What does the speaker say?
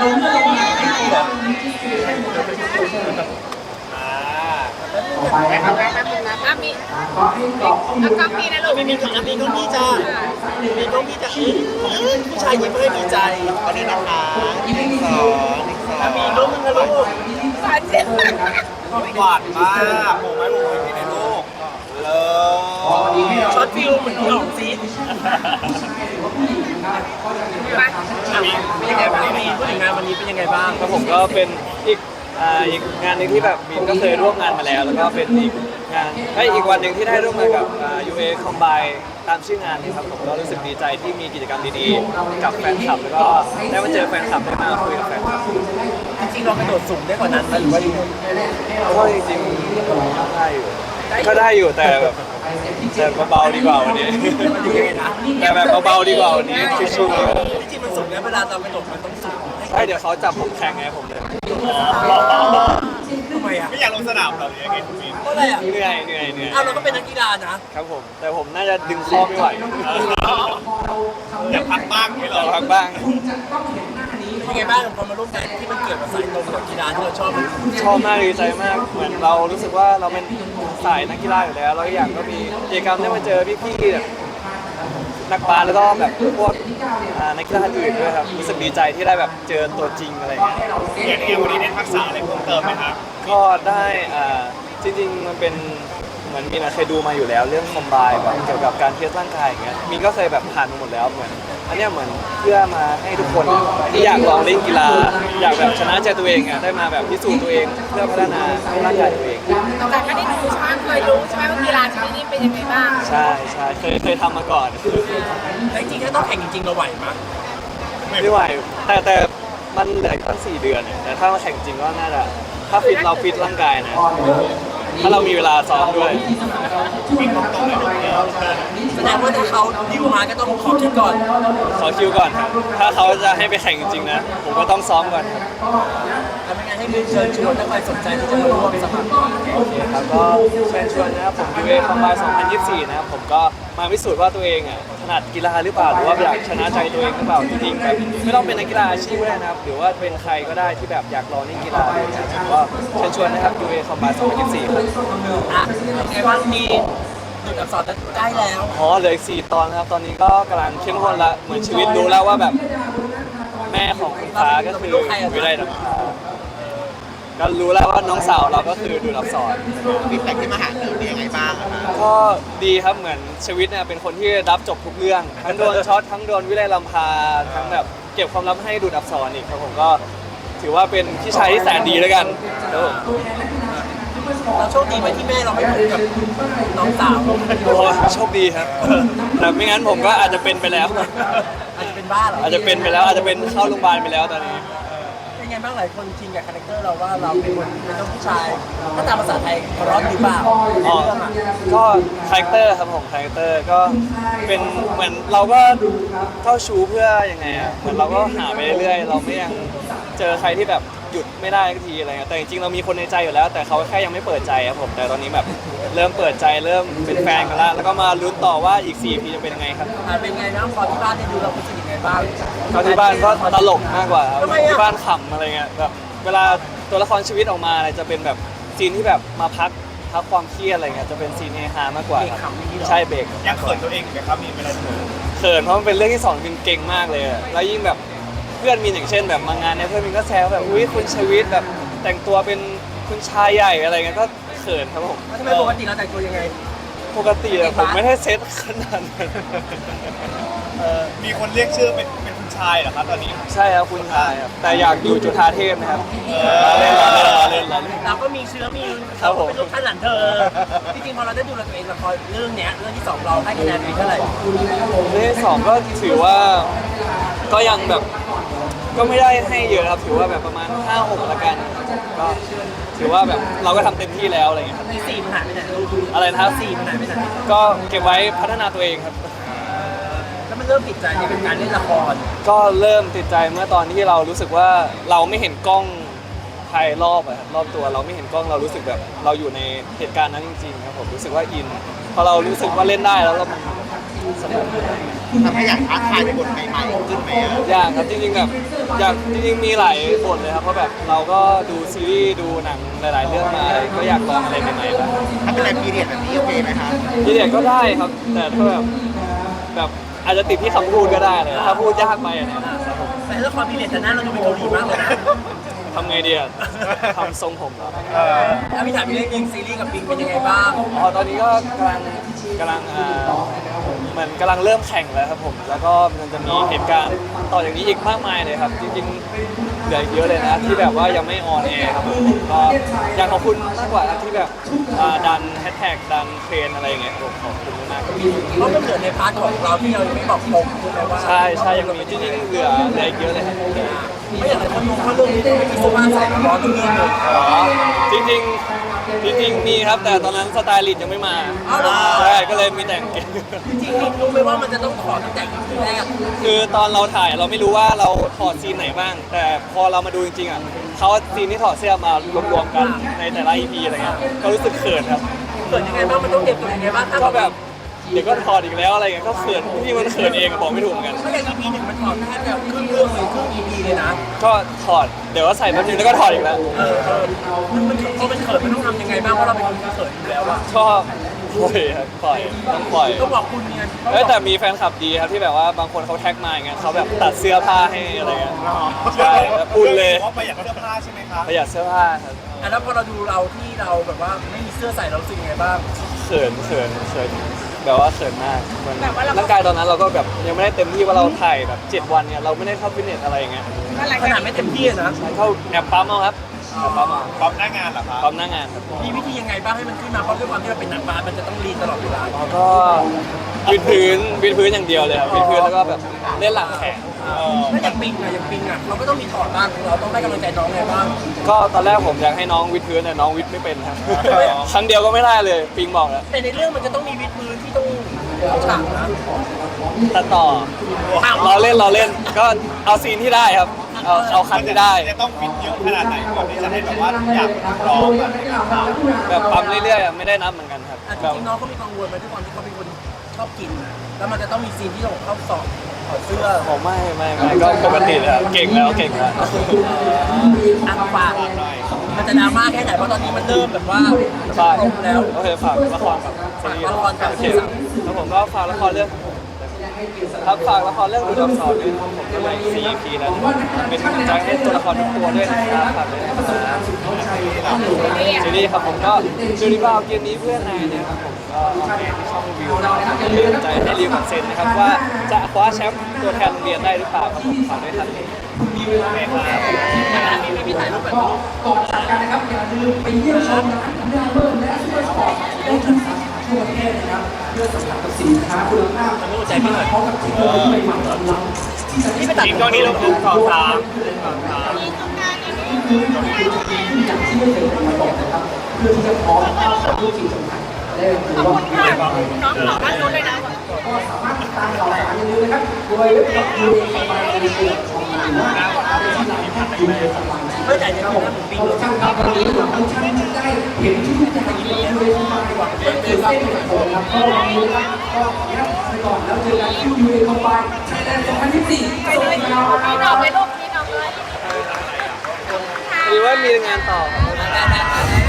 ไปนะครับอ่ะมีแล้วก็มีนะลูกมีของมีกล้องพี่จ้ามีกล้องพี่จ้าผู้ชายยิ้มให้ดีใจวันนี้นะคะ1 2 1 2มีลูกมึงนะลูกบาดเจ็บหวานมากโมไหมพี่ในลูกเลยช็อตฟิลเหมือนพี่หลงซีเป็นยังไงบ้างงานวันนี้เป็นยังไงบ้างครับผมก็เป็นอีกงานหนึ่งที่แบบมีนก็เคยร่วมงานมาแล้วแล้วก็เป็นอีกงานอีกวันหนึ่งที่ได้ร่วมงานกับ UA Combine ตามชื่องานนี่ครับผมก็รู้สึกดีใจที่มีกิจกรรมดีๆกับแฟนคลับแล้วก็ได้มาเจอแฟนคลับได้มาคุยกับแฟนคลับจริงๆเรากระโดดสูงได้กว่านั้นไหมหรือว่ายังไงก็จริงๆได้อยู่แต่แบบเบาๆดีกว่าวันนี้แต่แบบเบาๆดีกว่าวันนี้ชิวๆจริงๆมันสูงนะเวลาเรากระโดดมันต้องสูงใช่เดี๋ยวเขาจับผมแข่งไงผมเลยทำไมอ่ะไม่อยากลงสนามหรอหรือยังไงคุณมินเพราะอะไรอ่ะเหนื่อยอ้าวเราก็เป็นนักกีฬานะครับผมแต่ผมน่าจะดึงข้อไม่ไหวอยากพักบ้างไหมหรรออพักบ้างเป็นไงบ้างพอมาร่วมงานที่มันเกี่ยวกับสายตรงกับกีฬาที่เราชอบมันชอบมากดีใจมากเหมือนเรารู้สึกว่าเราเป็นสายนักกีฬาอยู่แล้วแล้วอีกอย่างก็มีกิจกรรมได้มาเจอพี่ๆแบบนักบาสแล้วก็แบบพวกนักกีฬาอื่นด้วยครับรู้สึกดีใจที่ได้แบบเจอตัวจริงอะไรอย่างเงี้ยอย่างนี้วันนี้ได้ทักษะอะไรเพิ่มเติมไหมครับก็ได้จริงๆมันเป็นเหมือนมีนเคยดูมาอยู่แล้วเรื่องคอมไบน์แบบเกี่ยวกับการเทสร่างกายอย่างเงี้ยมีนก็เคยแบบผ่านมาหมดแล้วเหมือนอันเนี้ยเหมือนเพื่อมาให้ทุกคนที่อยากลองเล่นกีฬาอยากแบบชนะใจตัวเองได้มาแบบพิสูจน์ตัวเองเพื่อพัฒนาร่างกายตัวเองแต่ไม่ได้ดูใช่ไหมเคยรู้ใช่ไหมว่ากีฬาชนิดนี้เป็นยังไงบ้างใช่เคยทำมาก่อนแต่จริงๆถ้าต้องแข่งจริงๆเราไหวมั้ยไม่ไหวแต่มันเหลืออีกตั้ง4 เดือนเนี่ยแต่ถ้ามาแข่งจริงก็น่าจะถ้าฟิตเราฟิตร่างกายนะถ้าเรามีเวลาซ้อมด้วยแสดงว่าถ้าเขาดิวมาก็ต้องขอคิดก่อนขอคิวก่อนครับถ้าเขาจะให้ไปแข่งจริงๆนะผมก็ต้องซ้อมก่อนครับทำยังไงให้เชิญชวนถ้าใครสนใจที่จะมาร่วมสมัครโอเคครับก็เชิญชวนนะครับผม UA Combine 2024 นะครับผมก็มาพิสูจน์ว่าตัวเองถนัดกีฬาหรือเปล่าหรือว่าอยากชนะใจตัวเองหรือเปล่าจริงๆแบบไม่ต้องเป็นนักกีฬาอาชีพก็ได้นะครับหรือว่าเป็นใครก็ได้ที่แบบอยากลองเล่นกีฬาอะไรอย่างเงี้ยผมก็เชิญชวนนะครับ UA Combine 2024 ครับอ่ะไงบ้างมีดูอักษรใกล้แล้วอ๋อเหลืออีก4 ตอนนะครับตอนนี้ก็กำลังเข้มข้นละเหมือนชีวิตรู้แล้วว่าแบบแม่ของคุณฟ้าก็คือวิไลดำฟ้าก็รู้แล้วว่าน้องสาวเราก็คือดูอักษรฟีดแบ็กที่มาหาเราเป็นยังไงบ้างครับก็ดีครับเหมือนชีวิตเนี่ยเป็นคนที่รับจบทุกเรื่องทั้งโดนช็อตทั้งโดนวิไลลำพาทั้งแบบเก็บความลับให้ดูดอักษรอีกครับผมก็ถือว่าเป็นพี่ชายที่แสนดีแล้วกันครับผมเราโชคดีไหมที่แม่เราไม่ถูกกับน้องสาวโอ้โชคดีครับแต่ไม่งั้นผมก็อาจจะเป็นไปแล้วอาจจะเป็นบ้าเหรออาจจะเป็นไปแล้วอาจจะเป็นเข้าโรงพยาบาลไปแล้วตอนนี้เป็นไงบ้างหลายคนชินกับคาแรคเตอร์เราว่าเราเป็นคนเป็นลูกผู้ชายถ้าตามภาษาไทยร้อนหรือเปล่าอ๋อเรื่องอ่ะก็คาแรคเตอร์ครับผมคาแรคเตอร์ก็เป็นเหมือนเราก็เข้าชูเพื่อยังไงเหมือนเราก็หาไปเรื่อยๆเราไม่ยังเจอใครที่แบบหยุดไม่ได้สักทีอะไรเงี้ยแต่จริงๆเรามีคนในใจอยู่แล้ว แต่เขาแค่ยังไม่เปิดใจครับผมแต่ตอนนี้แบบเริ่มเปิดใจเริ่มเป็นแฟนกันแล้วก็มาลุ้นต่อว่าอีก4 ปีจะเป็นยังไงครับเป็นไงบ้างพอที่บ้านได้ดูเรารู้สึกยังไงบ้างเขาที่บ้านก็ตลกมากกว่าครับทำไมอะที่บ้านขำอะไรเงี้ยแบบเวลาตัวละครชีวิตออกมาอะไรจะเป็นแบบซีนที่แบบมาพักความเครียดอะไรเงี้ยจะเป็นซีนเฮฮามากกว่าเด็กครับขำอย่างนี้เหรอใช่เบรกยังเขินตัวเองอยู่ไหมครับมีเวลาเขินเขินเพราะมันเป็นเรื่องที่สอนมินเก่งมากเลยอะแล้วยิ่งแบบเพื่อนมินอย่างเช่นแบบมางานเนี่ยเพื่อนมินก็แซวแบบอุ้ยคุณชวิตแบบแต่งตัวเป็นคุณชายใหญ่อะไรเงี้ยก็เขินครับผมแล้วทำไมปกติเราแต่งตัวยังไงปกติอะผมไม่ได้เซ็ตขนาดนั้นมีคนเรียกชื่อเป็นคุณชายเหรอครับตอนนี้ใช่ครับคุณชายครับแต่อยากอยู่จุฑาเทพนะครับล้อเล่นล้อเล่นล้อเล่นล้อเล่นเราก็มีเชื้อมีครับผมเป็นลูกท่านหลานเธอจริงๆพอเราได้ดูตัวเองละครเรื่องเนี้ยเรื่องที่สองเราให้คะแนนไปเท่าไหร่เรื่องที่สองก็ถือว่าก็ยังแบบก็ไม่ได้ให้เยอะครับถือว่าแบบประมาณ 5-6ละกันก็ถือว่าแบบเราก็ทำเต็มที่แล้วอะไรเงี้ยครับที่สี่มันหายไปไหนอะไรนะครับสี่มันหายไปไหนก็เก็บไว้พัฒนาตัวเองครับแล้วมันเริ่มติดใจในการเล่นละครก็เริ่มติดใจเมื่อตอนที่เรารู้สึกว่าเราไม่เห็นกล้องภายรอบอะครับรอบตัวเราไม่เห็นกล้องเรารู้สึกแบบเราอยู่ในเหตุการณ์นั้นจริงๆครับผมรู้สึกว่าอินพอเรารู้สึกว่าเล่นได้แล้วเราสนุกทำให้อยากท้าทายในบทใหม่ๆขึ้นไหมอะอยากครับจริงๆแบบอยากจริงๆมีหลายบทเลยครับเพราะแบบเราก็ดูซีรีส์ดูหนังหลายๆเรื่องมาก็อยากลองอะไรใหม่ๆบ้างถ้าเป็นอะไรพีเรียดแบบนี้โอเคไหมคะพีเรียดก็ได้ครับ แต่ถ้าแบบอาจจะติดที่คำพูดก็ได้เลยถ้าพูดยากไปอะนะครับผมแต่ละครพีเรียดแต่หน้าเราดูเป็นเกาหลีมากเลยนะทำไงดีอะทำทรงผมเหรอแล้วพี่ถามพี่เล่นยิงซีรีส์กับปิงเป็นยังไงบ้างอ๋อตอนนี้ก็กำลังเหมือนกำลังเริ่มแข่งแล้วครับผม แล้วก็มันจะมีเหตุการณ์ต่ออย่างนี้อีกมากมายเลยครับ จริงๆเหลืออีกเยอะเลยนะที่แบบว่ายังไม่ออนแอร์ครับผมก็อยากขอบคุณมากกว่านะที่แบบดันแฮชแท็กดันเทรนอะไรอย่างเงี้ยผมขอบคุณมากๆครับเพราะมันเหลือในพาร์ทของเราที่เรายังไม่บอกตรงใช่ไหมว่าใช่ใช่ยังมีจริงๆเหลืออีกเยอะเลยครับไม่อย่างไรคนมองว่าเรื่องนี้ต้องไม่มีเสื้อผ้าใส่ร้อนทุกเรื่องเลยจริงๆมีครับแต่ตอนนั้นสไตลิสต์ยังไม่มาอ้าวเหรอใช่ก็เลยมีแต่งเกงจริงๆรู้ไหมว่ามันจะต้องถอดตั้งแต่ EP แรกคือตอนเราถ่ายเราไม่รู้ว่าเราถอดซีนไหนบ้าง แต่พอเรามาดูจริงๆอ่ะเขาเอาซีนที่ถอดเสื้อมารวมๆกันในแต่ละ EP อะไรเงี้ยก็รู้สึกเขินครับเกิดยังไงบ้างมันต้องเตรียมตัวยังไงบ้างถ้าก็แบบเดี๋ยวก็ถอดอีกแล้วอะไรเงี้ยก็เขินที่มันเขินเองอะบอกไม่ถูกเหมือนกันถ้าอย่าง EP หนึ่งมันถอดแทบจะครึ่งเรื่องเลยครึ่ง EP เลยนะก็ถอดเดี๋ยวก็ใส่แป๊บนึงแล้วก็ถอดอีกแล้วมันพอเป็นเขินมันต้องทำยังไงบ้างเพราะเราเป็นคนที่เขินอยู่แล้วอะชอบปล่อยครับปล่อยต้องปล่อยต้องบอกคุณเนี่ยแต่มีแฟนคลับดีครับที่แบบว่าบางคนเขาแท็กมาอย่างเงี้ยเขาแบบตัดเสื้อผ้าให้อะไรเงี้ยใช่แล้วอุ่นเลยว่าประหยัดเสื้อผ้าใช่ไหมครับประหยัดเสื้อผ้าครับแล้วพอเราดูเราที่เราแบบว่าไม่มีเสื้อใส่เรารู้สึกยังไงบ้างเขินแบบว่าเขินมากมันร่างกายตอนนั้นเราก็แบบยังไม่ได้เต็มที่ว่าเราถ่ายแบบ7 วันเนี่ยเราไม่ได้เข้าฟิตเนสอะไรอย่างเงี้ยขนาดไม่เต็มที่อะนะเข้าแอบปั๊มเอาครับแอบปั๊มเอาปั๊มหน้างานเหรอครับปั๊มหน้างานครับมีวิธียังไงบ้างให้มันขึ้นมาเพราะด้วยความที่เราเป็นหนังบาสมันจะต้องรีนตลอดเวลาแล้วก็วิดพื้นอย่างเดียวเลยครับวิดพื้นแล้วก็แบบเล่นหลังแขนถ้าอย่างปิงอะเราก็ต้องมีถอดบ้างเราต้องให้กำลังใจน้องไงบ้างก็ตอนแรกผมอยากให้น้องวิดพื้นแต่น้องวิดไม่เป็นครับครั้งเดียวก็ไม่ได้เลยปิงบอกแล้วแต่ในเรื่องมันจะต้องมีวิดพื้นที่ต้องเข้าฉากนะตัดต่อเราเล่นก็เอาซีนที่ได้ครับเอาคันที่ได้จะต้องฟิตเยอะขนาดไหนก่อนที่จะให้แบบว่าอยากร้องแบบแบบปั๊มเรื่อยๆอะไม่ได้นับเหมือนกันครับจแบบริงๆน้องก็มีกังวลไหมด้วยความที่เขาเป็นคนชอบกินนะแล้วมันจะต้องมีซีนที่เราเข้าสอบถอดเสื้อผมไม่ก็ปกติเลยครับเก่งแล้วอ่ะฝากมันจะดราม่าแค่ไหนเพราะตอนนี้มันเริ่มแบบว่าฝากตรงแล้วโอเคฝากละครกับซีรีส์ฝากละครกับโอเคแล้วผมก็ฝากละครเรื่องครับฝากละครเรื่องดูดอักษรด้วยนะครับผมก็เลย 4EP แล้วเป็นกำลังใจให้ตัวละครทุกตัวด้วยนะครับฝากด้วยนะครับซีรีส์ครับผมก็จูริบ้าเกมนี้เพื่อนนายเนี่ยครับผมก็ออนแอร์ที่ช่องวิวนะครับเป็นกำลังใจให้ริวกับเซนนะครับว่าจะคว้าแชมป์ตัวแทนโรงเรียนได้หรือเปล่าครับผมฝากด้วยครับมีพี่ถ่ายรูปแบบนี้ก่อนจากกันนะครับอย่าลืมไปเยี่ยมชมร้านหน้าเบิ้ลและซูเปอร์สปอร์ตได้ทั้งทั่วประเทศนะครับเพื่อสัมผัสกับสินค้าคุณภาพทำให้หัวใจพี่หน่อยพร้อมกับเทคโนโลยีใหม่ๆของเราที่จะนี่ไปตัดทีมกล้องนี้ลงทุน2-3 อย่างที่ไม่เคยทำมาก่อนนะครับเพื่อที่จะพร้อมกับผู้สิ่งสำคัญและถือว่าน้องขอบ้านนู้นเลยนะก็สามารถติดตามข่าวสารอย่าลืมนะครับโดยเว็บไซต์ยูเอสบายในตัวของเราว่าที่ไหนยูเอสบายไม่แต่จะมีนะผมปิงช่างครับวันนี้เราทุกท่านจะได้เห็นทุกอย่างที่ยูเอสบายเป็นเส้นของผมครับก็วันนี้นะครับก็ขออนุญาตไปก่อนแล้วเจอกันที่ยูเอสบายไทยแลนด์2024ไปเลยครับพี่น้องไปลูกพี่น้องเลยหรือว่ามีงานต่อครับได้